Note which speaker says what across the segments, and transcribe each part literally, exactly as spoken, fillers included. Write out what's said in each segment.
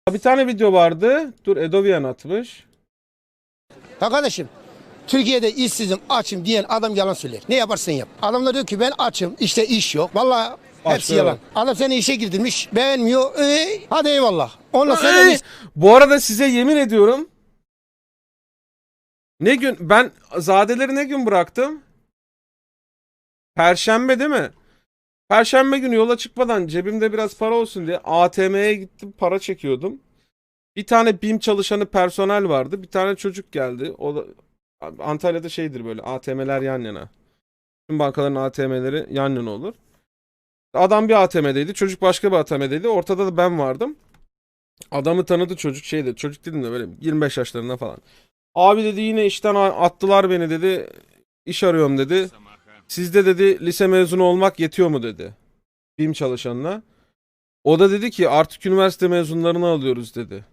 Speaker 1: Bir tane video vardı. Dur, Edovian atmış.
Speaker 2: Ya kardeşim, Türkiye'de işsizim, açım diyen adam yalan söyler. Ne yaparsan yap. Adamlar diyor ki ben açım, işte iş yok. Vallahi hepsi yalan. Adam seni işe girdirmiş, beğenmiyor. Ee, hadi eyvallah. Ondan sonra
Speaker 1: Ey! Bu arada size yemin ediyorum. Ne gün ben Zadeleri ne gün bıraktım? Perşembe değil mi? Perşembe günü yola çıkmadan cebimde biraz para olsun diye A T M'ye gittim, para çekiyordum. Bir tane BİM çalışanı personel vardı. Bir tane çocuk geldi. O da Antalya'da şeydir böyle, A T M'ler yan yana. Tüm bankaların A T M'leri yan yana olur. Adam bir A T M'deydi, çocuk başka bir A T M'deydi. Ortada da ben vardım. Adamı tanıdı çocuk, şeydi. Çocuk dedim de böyle yirmi beş yaşlarında falan. Abi dedi, yine işten attılar beni dedi. İş arıyorum dedi. Sizde dedi lise mezunu olmak yetiyor mu dedi. BİM çalışanına. O da dedi ki artık üniversite mezunlarını alıyoruz dedi.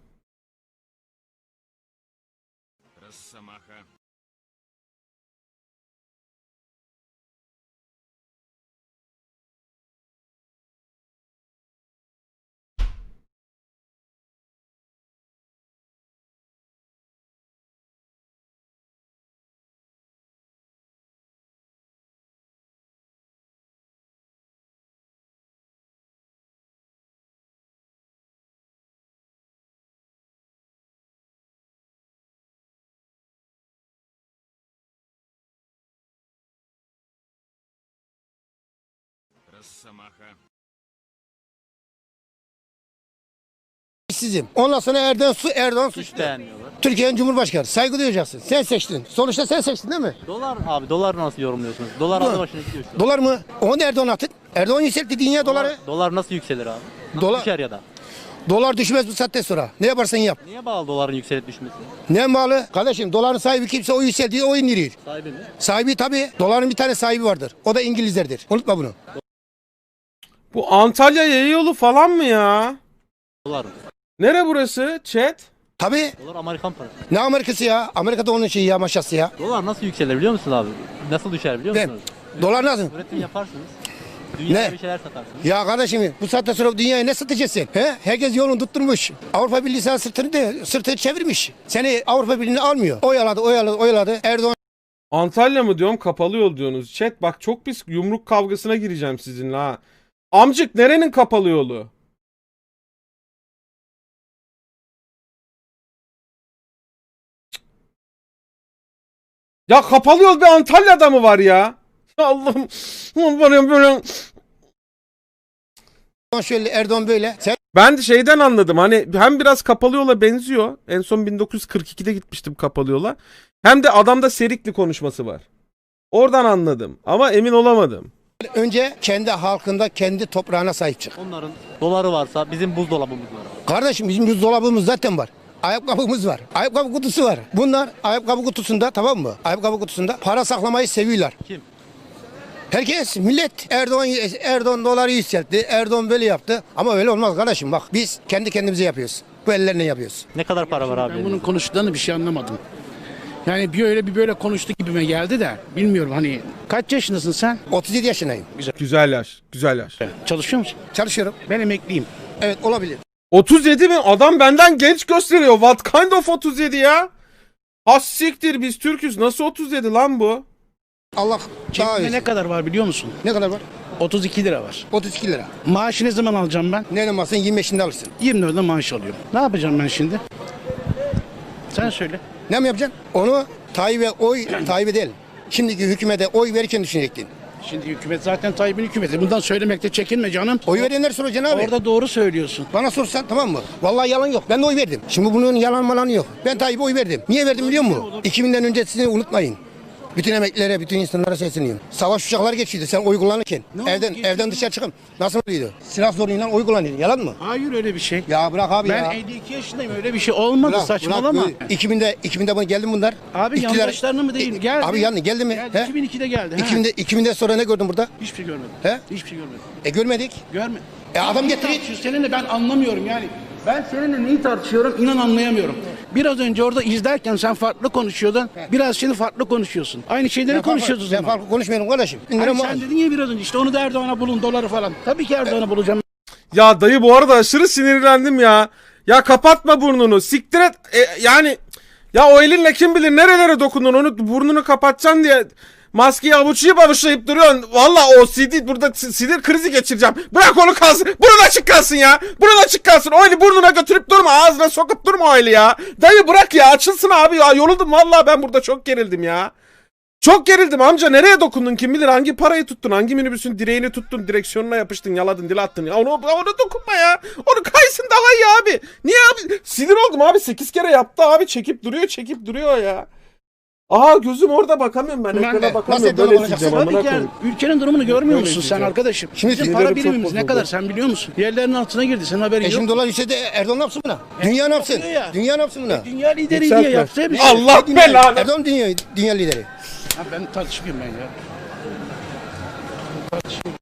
Speaker 2: işsizim. Ondan sonra Erdoğan su Erdoğan suçlu.
Speaker 3: Beğenmiyorlar.
Speaker 2: Türkiye'nin Cumhurbaşkanı. Saygı duyacaksın. Sen seçtin. Sonuçta sen seçtin değil mi?
Speaker 3: Dolar abi, dolar nasıl yorumluyorsunuz? Dolar aldı başına gidiyor şu an.
Speaker 2: Dolar mı? Onu da Erdoğan attı. Erdoğan yükseltti dünya doları.
Speaker 3: Dolar, dolar nasıl yükselir abi? Nasıl
Speaker 2: Dolar-
Speaker 3: düşer ya da?
Speaker 2: Dolar düşmez bu saatten sonra. Ne yaparsan yap.
Speaker 3: Niye bağlı doların yükselip düşmesi?
Speaker 2: Ne bağlı? Kardeşim doların sahibi kimse o yükseldiği o indiriyor.
Speaker 3: Sahibi mi?
Speaker 2: Sahibi tabii. Doların bir tane sahibi vardır. O da İngilizlerdir. Unutma bunu.
Speaker 1: Bu Antalya yaya yolu falan mı ya?
Speaker 3: Dolar mı?
Speaker 1: Nere burası? Chat.
Speaker 2: Tabii.
Speaker 3: Dolar Amerikan parası.
Speaker 2: Ne Amerikası ya? Amerika'da onun şeyi ya, maşası ya.
Speaker 3: Dolar nasıl yükselir biliyor musun abi? Nasıl düşer biliyor
Speaker 2: Ne?
Speaker 3: musunuz?
Speaker 2: Dolar nasıl?
Speaker 3: Üretim yaparsınız. Dünyaya
Speaker 2: Ne?
Speaker 3: bir şeyler satarsınız.
Speaker 2: Ya kardeşim bu saatten sonra dünyaya ne satacaksın? He? Herkes yolunu tutturmuş. Avrupa Birliği sana sırtını, de, sırtını çevirmiş. Seni Avrupa Birliği'ne almıyor. Oyaladı, oyaladı, oyaladı. Erdoğan
Speaker 1: Antalya mı diyorum, kapalı yol diyorsunuz. Chat bak, çok pis yumruk kavgasına gireceğim sizinle ha. Amcık, nerenin kapalı yolu? Ya kapalı yol bir Antalya'da mı var ya? Ya Allah'ım. Böyle böyle.
Speaker 2: şöyle, Erdoğan böyle. Sen
Speaker 1: Ben de şeyden anladım, hani hem biraz kapalı yola benziyor. En son bin dokuz yüz kırk ikide gitmiştim kapalı yola. Hem de adamda Serikli konuşması var. Oradan anladım ama emin olamadım.
Speaker 2: önce kendi halkında, kendi toprağına sahip çık.
Speaker 3: Onların doları varsa bizim buzdolabımız var.
Speaker 2: Kardeşim bizim buzdolabımız zaten var. Ayakkabımız var. Ayakkabı kutusu var. Bunlar ayakkabı kutusunda, tamam mı? Ayakkabı kutusunda para saklamayı seviyorlar.
Speaker 3: Kim?
Speaker 2: Herkes, millet Erdoğan Erdoğan doları yükseltti. Erdoğan böyle yaptı. Ama öyle olmaz kardeşim, bak biz kendi kendimize yapıyoruz. Bu ellerle yapıyoruz.
Speaker 3: Ne kadar para var abi?
Speaker 4: Ben bunun konuştuklarını bir şey anlamadım. Yani bir öyle bir böyle konuştu gibime geldi de bilmiyorum hani kaç yaşındasın sen?
Speaker 2: otuz yedi yaşındayım.
Speaker 1: Güzel yaş, güzel yaş.
Speaker 4: Çalışıyor musun?
Speaker 2: Çalışıyorum.
Speaker 4: Ben emekliyim.
Speaker 2: Evet, olabilir.
Speaker 1: otuz yedi mi? Adam benden genç gösteriyor. What kind of otuz yedi ya? Has siktir, biz Türk'üz. Nasıl otuz yedi lan bu?
Speaker 2: Allah daha
Speaker 4: Cebimde
Speaker 2: iyi.
Speaker 4: ne kadar var biliyor musun?
Speaker 2: Ne kadar var?
Speaker 4: otuz iki lira var.
Speaker 2: otuz iki lira.
Speaker 4: Maaşı ne zaman alacağım ben?
Speaker 2: Ne olmasın yirmi beşinde alırsın.
Speaker 4: yirmi dörtte maaş alıyorum. Ne yapacağım ben şimdi? Sen söyle.
Speaker 2: Ne mi yapacaksın? Onu Tayyip'e oy, Tayyip'e değil. Şimdiki hükümete oy verirken düşünecektin.
Speaker 4: Şimdi hükümet zaten Tayyip'in hükümeti. Bundan söylemekte çekinme canım.
Speaker 2: Oy verenler soracaksın abi.
Speaker 4: Orada doğru söylüyorsun.
Speaker 2: Bana sorsan tamam mı? Vallahi yalan yok. Ben de oy verdim. Şimdi bunun yalan malanı yok. Ben Tayyip'e oy verdim. Niye verdim biliyor musun? iki binden öncesini unutmayın. Bütün emeklilere, bütün insanlara sesleniyorum. Savaş uçakları geçiyordu sen oy kullanırken.
Speaker 4: Ne
Speaker 2: evden
Speaker 4: oldu?
Speaker 2: evden dışarı çıkın. Nasıl oluyordu? Silah zoruyla oy kullanıyordu. Yalan mı?
Speaker 4: Hayır öyle bir şey.
Speaker 2: Ya bırak abi
Speaker 4: Ben
Speaker 2: ya.
Speaker 4: elli iki yaşındayım öyle bir şey olmadı
Speaker 2: Bırak,
Speaker 4: saçmalama.
Speaker 2: bırak. iki binde iki binde bunu geldi mi bunlar?
Speaker 4: Abi
Speaker 2: İktidar-
Speaker 4: yandaşlarını mı değil mi? Geldi.
Speaker 2: Abi yani geldi mi?
Speaker 4: Geldi.
Speaker 2: He?
Speaker 4: iki bin ikide geldi. he.
Speaker 2: iki binde iki binde sonra ne gördün burada?
Speaker 4: Hiçbir şey görmedim.
Speaker 2: He?
Speaker 4: Hiçbir şey görmedim.
Speaker 2: E görmedik.
Speaker 4: Görme.
Speaker 2: E adam getiriyor.
Speaker 4: Tartışıyorsun. Seninle ben anlamıyorum yani. Ben seninle neyi tartışıyorum inan anlayamıyorum. Biraz önce orada izlerken sen farklı konuşuyordun. Biraz şimdi farklı konuşuyorsun. Aynı şeyleri
Speaker 2: Ben farklı-
Speaker 4: konuşuyoruz o
Speaker 2: Ben
Speaker 4: zaman.
Speaker 2: farklı konuşmuyorum kardeşim.
Speaker 4: Hani
Speaker 2: İndirim
Speaker 4: sen dedin ya biraz önce işte onu da Erdoğan'a bulun doları falan. Tabii ki Erdoğan'a bulacağım.
Speaker 1: Ya dayı, bu arada aşırı sinirlendim ya. Ya kapatma burnunu. Siktir et. E, yani ya o elinle kim bilir nerelere dokundun. Onu burnunu kapatacaksın diye maskeyi avuçlayıp avuçlayıp duruyorsun. Valla o sinir burada sinir krizi geçireceğim. Bırak onu kalsın. Burun açık kalsın ya. Burun açık kalsın. O eli burnuna götürüp durma. Ağzına sokup durma o eli ya. Dayı bırak ya. Açılsın abi ya. Yoruldum valla, ben burada çok gerildim ya. Çok gerildim amca, nereye dokundun kim bilir, hangi parayı tuttun, hangi minibüsün direğini tuttun, direksiyonuna yapıştın, yaladın, dil attın ya, onu, onu dokunma ya, onu kaysın daha iyi abi, niye abi, sinir oldum abi, sekiz kere yaptı abi, çekip duruyor çekip duruyor ya. Aa gözüm orada, bakamıyorum ben,
Speaker 2: Ben
Speaker 1: ekrana
Speaker 2: de.
Speaker 1: bakamıyorum,
Speaker 2: Nasıl
Speaker 1: böyle
Speaker 2: olacaksın?
Speaker 1: izleyeceğim amına
Speaker 4: Tabii ki yani
Speaker 1: koyayım.
Speaker 4: ülkenin durumunu görmüyor
Speaker 1: Böyle
Speaker 4: musun sen
Speaker 1: diyeceğim.
Speaker 4: arkadaşım?
Speaker 2: Şimdi
Speaker 4: Bizim
Speaker 1: sinirlerim
Speaker 4: para
Speaker 1: çok
Speaker 4: birimimiz ne
Speaker 1: bozuldu.
Speaker 4: kadar sen biliyor musun? Yerlerin altına girdi, senin haberin
Speaker 2: E
Speaker 4: yok.
Speaker 2: şimdi dolar yükseldi, Erdoğan ne yapsın buna? Dünya ne yapsın?
Speaker 4: yapıyor ya.
Speaker 2: Dünya ne yapsın buna?
Speaker 4: Dünya lideri
Speaker 1: Yükseltme.
Speaker 4: diye yapsa bir şey.
Speaker 1: Allah
Speaker 2: Dünya-
Speaker 1: belanı.
Speaker 2: Erdoğan dünya, dünya lideri.
Speaker 4: Ha, ben tartışmayayım ben ya. Tartışmayayım.